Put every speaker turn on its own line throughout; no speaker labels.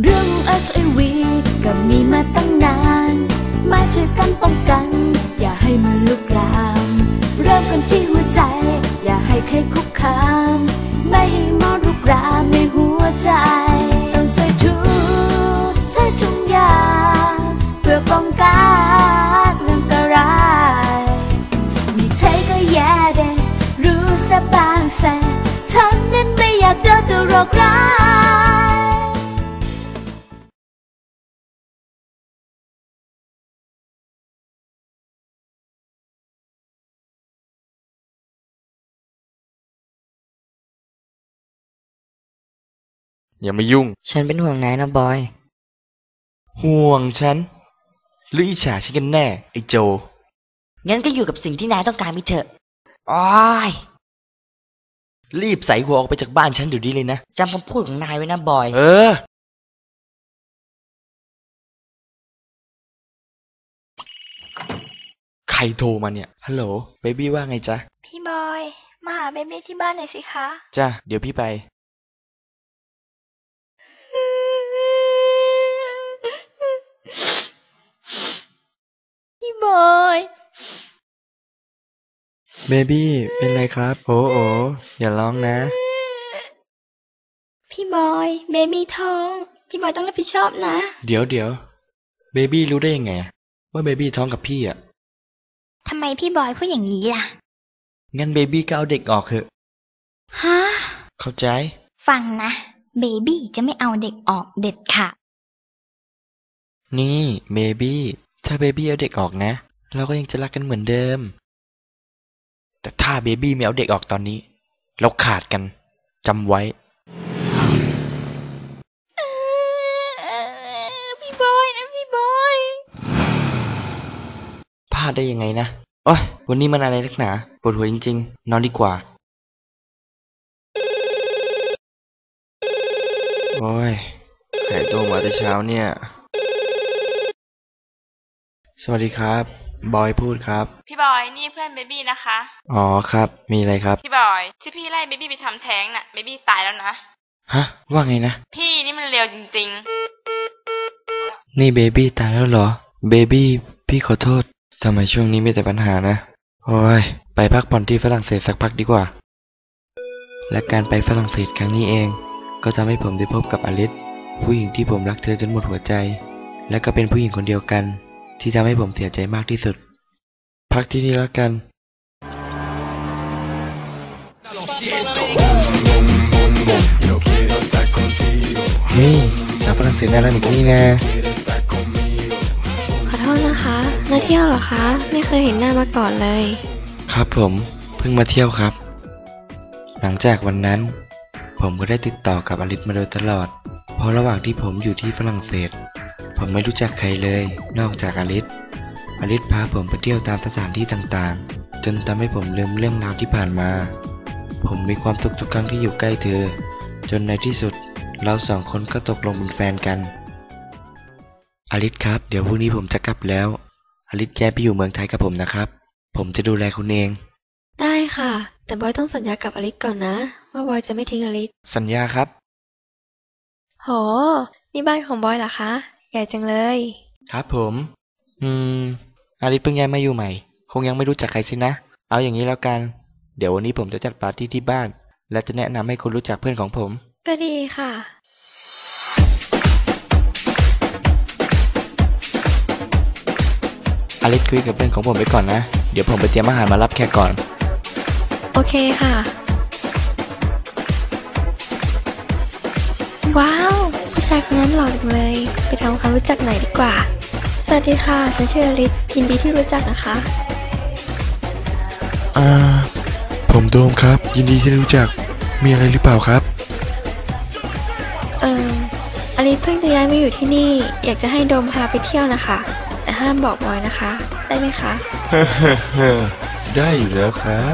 เรื่อง HIV ก็มีมาตั้งนานมาช่วยกันป้องกันอย่าให้มันลุกลามเริ่มกันที่หัวใจอย่าให้ใครคุกคามไม่ให้มอดลุกรามในหัวใจต้องใส่ถุงยางเพื่อป้องกันอันตรายมีใช่ก็แย่เด้รู้ซะบ้างแสฉันนั้นไม่อยากเจอโรคร้าย
อย่ามายุ่ง
ฉันเป็นห่วงนายนะบอย
ห่วงฉันหรืออิจฉาฉันกันแน่ไอ้โจ
งั้นก็อยู่กับสิ่งที่นายต้องการไปเถอะอ้อย
รีบใส่หัวออกไปจากบ้านฉันเดี๋ยวนี้เลยนะ
จำคำพูดของนายไว้นะบอย
ใครโทรมาเนี่ยฮัลโหลเบบี้ว่าไงจ๊ะ
พี่บอยมาหาเบบี้ที่บ้านหน่อยสิคะ
จ้ะเดี๋ยวพี่ไป
พี่บอย
เบบี้เป็นไรครับโอ้อย่าร้องนะ
พี่บอยเบบี้ท้องพี่บอยต้องรับผิดชอบนะ
เดี๋ยวเบบี้รู้ได้ยังไงว่าเบบี้ท้องกับพี่อ่ะ
ทำไมพี่บอยพูดอย่างนี้ล่ะ
งั้นเบบี้ก็เอาเด็กออกเถอะ
ฮะ
เข้าใจ
ฟังนะเบบี้จะไม่เอาเด็กออกเด็ดค่ะ
นี่เบบี้ถ้าเบบี้เอาเด็กออกนะเราก็ยังจะรักกันเหมือนเดิมแต่ถ้าเบบี้ไม่เอาเด็กออกตอนนี้เราขาดกันจำไว้
พี่บอยนะพี่บอย
พลาดได้ยังไงนะโอ๊ยวันนี้มันอะไรนักหนาปวดหัวจริงๆนอนดีกว่าโอ้ยใครโทรมาแต่เช้าเนี่ยสวัสดีครับบอยพูดครับ
พี่บอยนี่เพื่อนเบบี้นะคะ
อ๋อครับมีอะไรครับ
พี่บอยที่พี่ไล่เบบี้ไปทำแท้งน่ะเบบี้ตายแล้วนะ
ฮะว่าไงนะ
พี่นี่มันเร็วจริง
ๆนี่เบบี้ตายแล้วเหรอเบบี้พี่ขอโทษทำไมช่วงนี้มีแต่ปัญหานะโอ้ยไปพักผ่อนที่ฝรั่งเศสสักพักดีกว่าและการไปฝรั่งเศสครั้งนี้เองก็ทำให้ผมได้พบกับอลิซผู้หญิงที่ผมรักเธอจนหมดหัวใจและก็เป็นผู้หญิงคนเดียวกันที่ทำให้ผมเสียใจมากที่สุดพักที่นี่แล้วกันนี่สาวฝรั่งเศสน่ารักแบบนี้นะ
ขอโทษนะคะมาเที่ยวเหรอคะไม่เคยเห็นหน้ามาก่อนเลย
ครับผมเพิ่งมาเที่ยวครับหลังจากวันนั้นผมก็ได้ติดต่อกับอลิซมาโดยตลอดเพราะระหว่างที่ผมอยู่ที่ฝรั่งเศสผมไม่รู้จักใครเลยนอกจากอลิซพาผมไปเที่ยวตามสถานที่ต่างๆจนทำให้ผมลืมเรื่องราวที่ผ่านมาผมมีความสุขทุกครั้งที่อยู่ใกล้เธอจนในที่สุดเราสองคนก็ตกลงเป็นแฟนกันอลิซครับเดี๋ยวพรุ่งนี้ผมจะกลับแล้วอลิซย้ายไปอยู่เมืองไทยกับผมนะครับผมจะดูแลคุณเอง
ได้ค่ะแต่บอยต้องสัญญากับอลิซก่อนนะว่าบอยจะไม่ทิ้งอลิซ
สัญญาครับ
โหนี่บ้านของบอยเหรอคะใหญ่จังเลย
ครับผมอลิซเพิ่งย้ายมาอยู่ใหม่คงยังไม่รู้จักใครสินะเอาอย่างนี้แล้วกันเดี๋ยววันนี้ผมจะจัดปาร์ตี้ที่บ้านและจะแนะนำให้คุณรู้จักเพื่อนของผม
ก็ดีค่ะ
อลิซคุยกับเพื่อนของผมไปก่อนนะเดี๋ยวผมไปเตรียมอาหารมารับแขกก่อน
โอเคค่ะว้าวผู้ชายคนนั้นหล่อจังเลยไปทำความรู้จักหน่อยดีกว่าสวัสดีค่ะฉันชื่ออลิซยินดีที่รู้จักนะคะ
ผมโดมครับยินดีที่รู้จักมีอะไรหรือเปล่าครับ
อลิซเพิ่งจะย้ายมาอยู่ที่นี่อยากจะให้โดมพาไปเที่ยวนะคะแต่ห้ามบอกบอยนะคะได้ไหมคะ
ได้อยู่แล้วครับ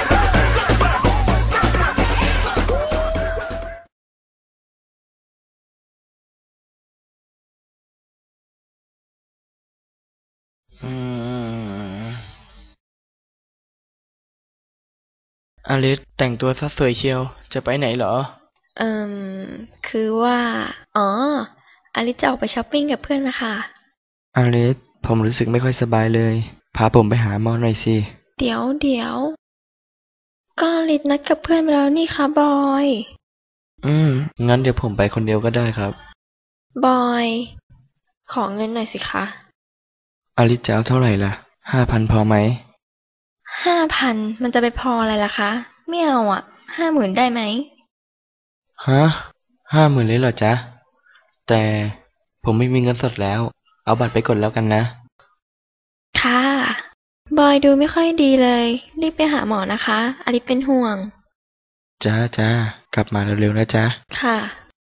อลิซแต่งตัวซะสวยเชียวจะไปไหนเหรอ
คือว่าอ๋ออลิซจะออกไปช้อปปิ้งกับเพื่อนนะคะ
อลิสผมรู้สึกไม่ค่อยสบายเลยพาผมไปหาหมอหน่อยสิ
เดี๋ยวก็อลิซนัดกับเพื่อนไปแล้วนี่คะบอย
งั้นเดี๋ยวผมไปคนเดียวก็ได้ครับ
บอย ขอเงินหน่อยสิคะ
อลิสจะเอาเท่าไหร่ล่ะ5,000พอไหม
5,000มันจะไปพออะไรล่ะคะไม่เอาอ่ะ50,000ได้ไหม
ฮะ50,000เลยเหรอจ๊ะแต่ผมไม่มีเงินสดแล้วเอาบัตรไปกดแล้วกันนะ
ค่ะบอยดูไม่ค่อยดีเลยรีบไปหาหมอนะคะอลิซเป็นห่วง
จ้ากลับมาเร็วๆนะจ๊ะ
ค่ะ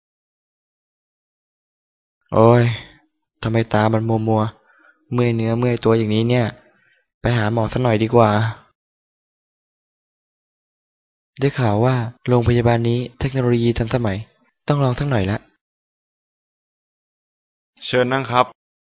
โอ้ยทำไมตามันมัวเมื่อยเนื้อเมื่อยตัวอย่างนี้เนี่ยไปหาหมอสักหน่อยดีกว่าได้ข่าวว่าโรงพยาบาลนี้เทคโนโลยีทันสมัยต้องลองสักหน่อยละ
เชิญนั่งครับ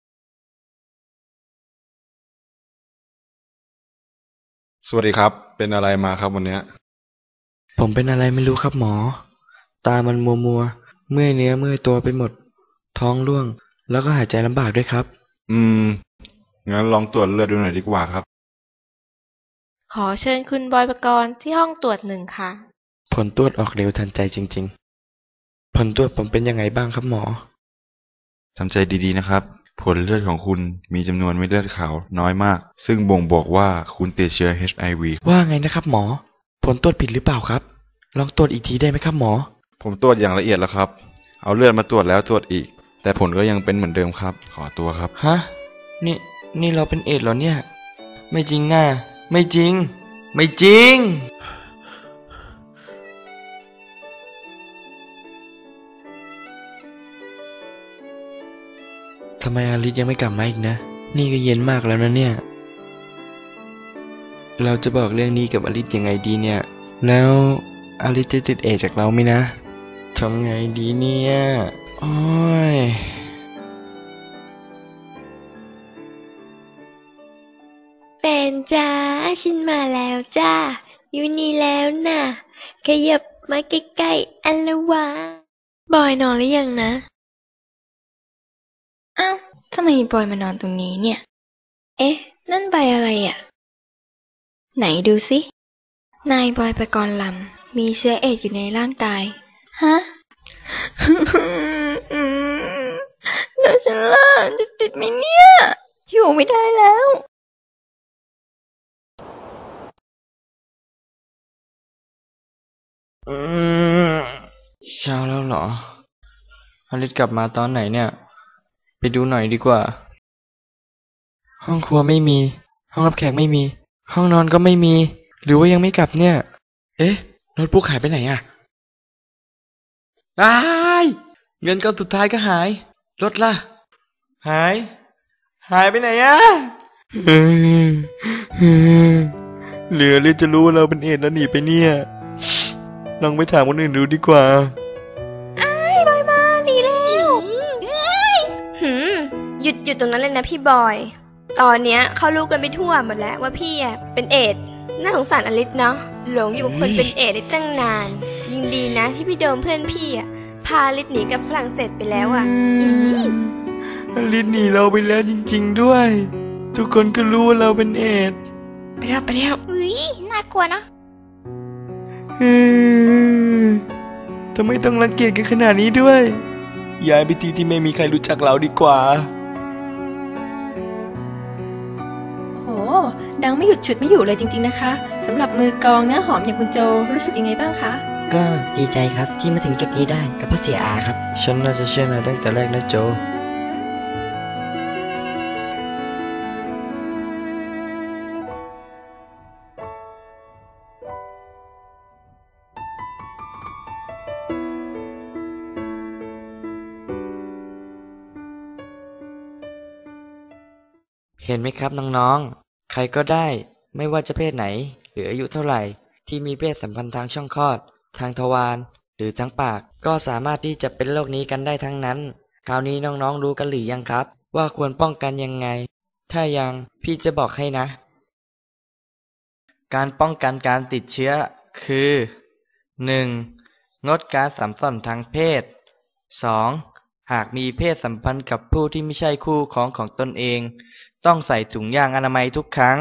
สวัสดีครับเป็นอะไรมาครับวันนี้
ผมเป็นอะไรไม่รู้ครับหมอตามันมัวเมื่อยเนื้อเมื่อยตัวไปหมดท้องร่วงแล้วก็หายใจลำบากด้วยครับ
งั้นลองตรวจเลือดดูหน่อยดีกว่าครับ
ขอเชิญคุณบอยปกรณ์ที่ห้องตรวจ1ค่ะ
ผลตรวจออกเร็วทันใจจริงๆผลตรวจผมเป็นยังไงบ้างครับหมอ
ทำใจดีๆนะครับผลเลือดของคุณมีจำนวนเม็ดเลือดขาวน้อยมากซึ่งบ่งบอกว่าคุณติดเชื้อ HIV
ว่าไงนะครับหมอผลตรวจผิดหรือเปล่าครับลองตรวจอีกทีได้ไหมครับหมอ
ผมตรวจอย่างละเอียดแล้วครับเอาเลือดมาตรวจแล้วตรวจอีกแต่ผลก็ยังเป็นเหมือนเดิมครับขอตัวครับ
ฮะนี่เราเป็นเอดส์เหรอเนี่ยไม่จริงน่ะไม่จริงทำไมอลิซยังไม่กลับมาอีกนะนี่ก็เย็นมากแล้วนะเนี่ยเราจะบอกเรื่องนี้กับอลิซยังไงดีเนี่ยแล้วอลิซจะติดเอดส์จากเราไหมนะทำไงดีเนี่ยโอ้ย
แฟนจ้าฉันมาแล้วจ้าอยู่นี่แล้วน่ะขยับมาใกล้ๆอันละวะบอยนอนหรือยังนะอ้าวทำไมบอยมานอนตรงนี้เนี่ยเอ๊ะนั่นใบอะไรอ่ะไหนดูสินายบอยปกรณ์ลำมีเชื้อเอดส์อยู่ในร่างกายฮะ แล้วฉันล่ะจะติดไหมเนี่ยอยู่ไม่ได้แล้ว
เช้าแล้วเหรออลิซกลับมาตอนไหนเนี่ยไปดูหน่อยดีกว่าห้องครัวไม่มีห้องรับแขกไม่มีห้องนอนก็ไม่มีหรือว่ายังไม่กลับเนี่ยเอ๊ะโน้ตบุ๊กหายไปไหนอ่ะเงินก้อนสุดท้ายก็หายรถล่ะหายไปไหนอ่ะเหลือเลยจะรู้ว่าเราเป็นเอดส์แล้วหนีไปเนี่ยลองไปถามคนอื่นดูดีกว่า
บอยมาหนีแล้วหยุดตรงนั้นเลยนะพี่บอยตอนเนี้ยเขารู้กันไปทั่วหมดแล้วว่าพี่เป็นเอดส์น่าสงสารอลิซเนาะหลงอยู่กับคนเป็นเอดส์ได้ตั้งนานยิ่งดีนะที่พี่โดมเพื่อนพี่พาอลิซหนีกับฝรั่งเศสไปแล้วอ
ลิซหนีเราไปแล้วจริงๆด้วยทุกคนก็รู้ว่าเราเป็นเอดส์
ไปแล้ว
อุ๊ยน่ากลัวเนาะ
ทำไมต้องรังเกียจกันขนาดนี้ด้วยย้ายไปที่ไม่มีใครรู้จักเราดีกว่า
โหดังไม่หยุดฉุดไม่อยู่เลยจริงๆนะคะสำหรับมือกลองเนื้อหอมอย่างคุณโจรู้สึกยังไงบ้างคะ
ก็ดีใจครับที่มาถึงจุดนี้ได้กับพ่อเสียอาครับ
ฉันน่าจะเชื่อนายตั้งแต่แรกนะโจเห็นไหมครับน้องๆใครก็ได้ไม่ว่าจะเพศไหนหรืออายุเท่าไหร่ที่มีเพศสัมพันธ์ทางช่องคลอดทางทวารหรือทางปากก็สามารถที่จะเป็นโรคนี้กันได้ทั้งนั้นคราวนี้น้องๆรู้กันหรือยังครับว่าควรป้องกันยังไงถ้ายังพี่จะบอกให้นะการป้องกันการติดเชื้อคือ 1. งดการสัมพันธ์ทางเพศ 2.
หากมีเพศสัมพันธ์กับผู้ที่ไม่ใช่คู่ครองของตนเอง ต้องใส่ถุงยางอนามัยทุกครั้ง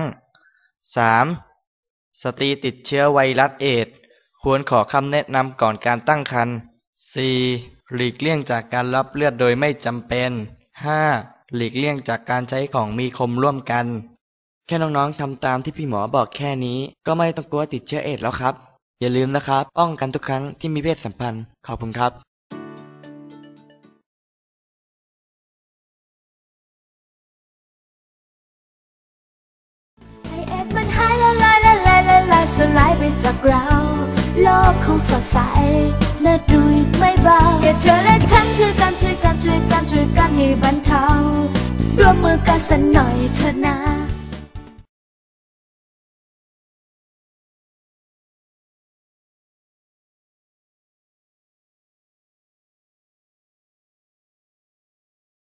3. สตรีติดเชื้อไวรัสเอดส์ควรขอคำแนะนำก่อนการตั้งครรภ์ 4. หลีกเลี่ยงจากการรับเลือดโดยไม่จำเป็น 5. หลีกเลี่ยงจากการใช้ของมีคมร่วมกัน แค่น้องๆทำตามที่พี่หมอบอกแค่นี้ก็ไม่ต้องกลัวติดเชื้อเอดส์แล้วครับ อย่าลืมนะครับป้องกันทุกครั้งที่มีเพศสัมพันธ์ขอบคุณครับ
ให้เอ็ดมันหายละลายละลายละลายสลายไปจากเราโลกคงสดใสน่าดูอีกไม่เบาแค่เธอและฉันช่วยกันช่วยกันช่วยกันช่วยกันให้บรรเทาร่วมมือกันสักหน่อยเถอะนะ